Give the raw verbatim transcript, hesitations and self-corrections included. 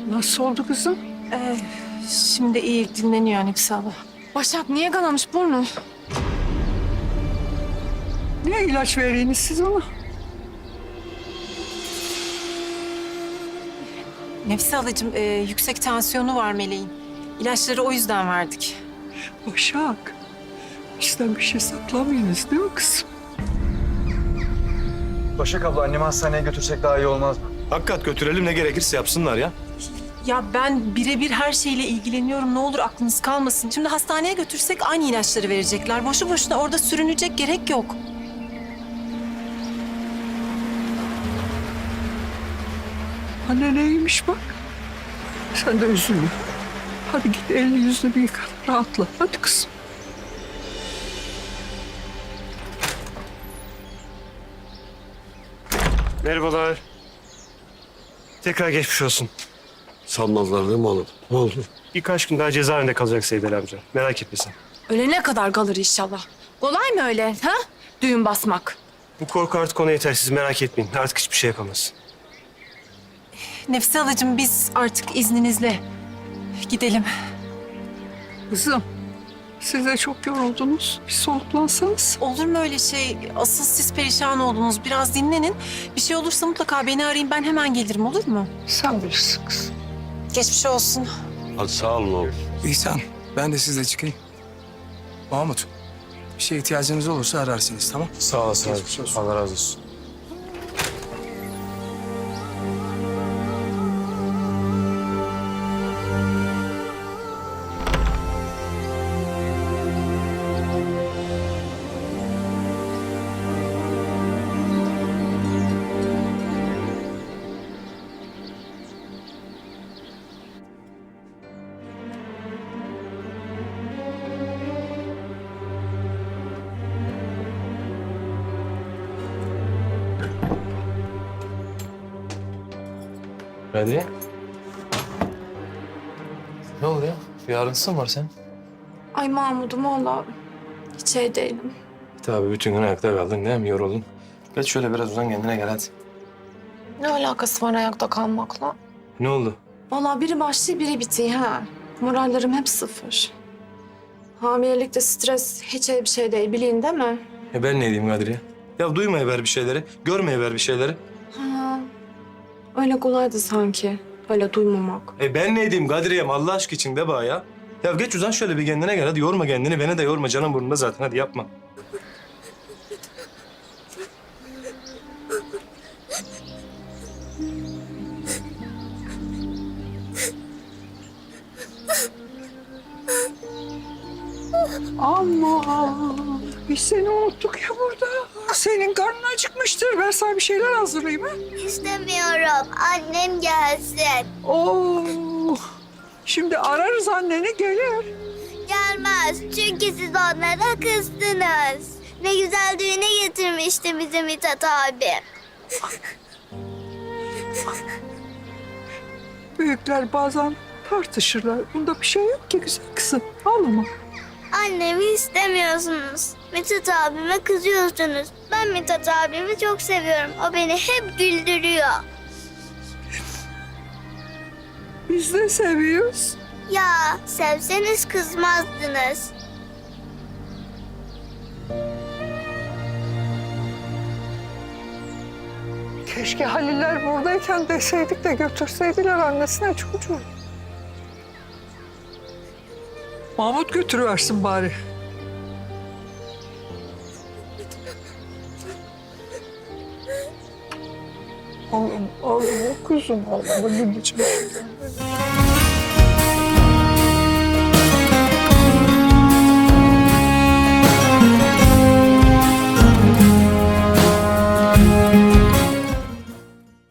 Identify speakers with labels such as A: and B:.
A: Nasıl oldu kızım?
B: Ee, şimdi iyi dinleniyor Nefise abla.
C: Başak niye kanamış burnu?
A: Ne ilaç vereyiniz siz ona?
B: Nefise ablacığım e, yüksek tansiyonu var Meleğin. İlaçları o yüzden verdik.
A: Başak. Bizden bir şey saklamayınız değil mi kızım?
D: Başak abla annemi hastaneye götürsek daha iyi olmaz mı?
E: Hakikat götürelim, ne gerekirse yapsınlar ya.
B: Ya ben birebir her şeyle ilgileniyorum. Ne olur aklınız kalmasın. Şimdi hastaneye götürsek aynı ilaçları verecekler. Boşu boşuna orada sürünecek gerek yok.
A: Anne neymiş bak. Sen de üzülme. Hadi git elini yüzünü bir yıka. Rahatla. Hadi kızım.
E: Merhabalar. Tekrar geçmiş olsun.
F: Sanmazlar değil mi oğlum? Ne oldu?
E: Birkaç gün daha cezaevinde kalacak Seyit Ali amca. Merak etme sen.
C: Ölene kadar kalır inşallah. Kolay mı öyle ha? Düğün basmak.
E: Bu korku artık ona yeter, siz merak etmeyin. Artık hiçbir şey yapamaz.
B: Nefise ablacığım biz artık izninizle gidelim.
A: Kızım. Siz de çok yoruldunuz. Bir soluklansanız.
B: Olur mu öyle şey? Asıl siz perişan oldunuz. Biraz dinlenin. Bir şey olursa mutlaka beni arayın. Ben hemen gelirim, olur mu?
A: Sen bilirsin kızım.
B: Geçmiş olsun.
F: Hadi sağ olun oğlum.
G: İhsan, ben de sizle çıkayım. Mahmut, bir şeye ihtiyacınız olursa ararsınız, tamam?
E: Sağ olasın
G: Geçmiş olsun.
E: Allah razı olsun.
H: Hadi. Ne oluyor? Bir ağrıntısın var sen?
C: Ay Mahmud'um valla hiç şey değilim.
H: Tabii bütün gün ayakta kaldın değil mi? Yoruldun. Geç şöyle biraz uzan kendine gel hadi.
C: Ne alakası var ayakta kalmakla?
H: Ne oldu?
C: Valla biri başlıyor biri bitiyor ha. Morallerim hep sıfır. Hamilelikte stres hiç iyi bir şey değil bilin değil mi?
H: E ben ne diyeyim Kadriye? Ya duymaya ver bir şeyleri, görmeye ver bir şeyleri.
C: Ha, öyle kolaydı sanki. Öyle duymamak.
H: E ben ne diyeyim Kadriye'm Allah aşkı için de bana ya. Ya geç uzan şöyle bir kendine gel hadi yorma kendini. Beni de yorma canım burnunda zaten hadi yapma.
A: Ama biz seni unuttuk ya burada. Senin karnın acıkmıştır. Ben sana bir şeyler hazırlayayım ha.
I: İstemiyorum. Annem gelsin.
A: Oo. Şimdi ararız anneni gelir.
I: Gelmez. Çünkü siz onlara kızdınız. Ne güzel düğüne getirmişti bizi Mithat abi.
A: Büyükler bazen tartışırlar. Bunda bir şey yok ki güzel kızım. Ağlama.
I: Annemi istemiyorsunuz. Mithat abime kızıyorsunuz. Ben Mithat abimi çok seviyorum. O beni hep güldürüyor.
A: Biz de seviyoruz.
I: Ya sevseniz kızmazdınız.
A: Keşke Haliller buradayken deseydik de götürseydiler annesine çocuğu. Mahmut götürüversin bari. Oğlum, oğlum, kuzum, oğlum, anneciğim.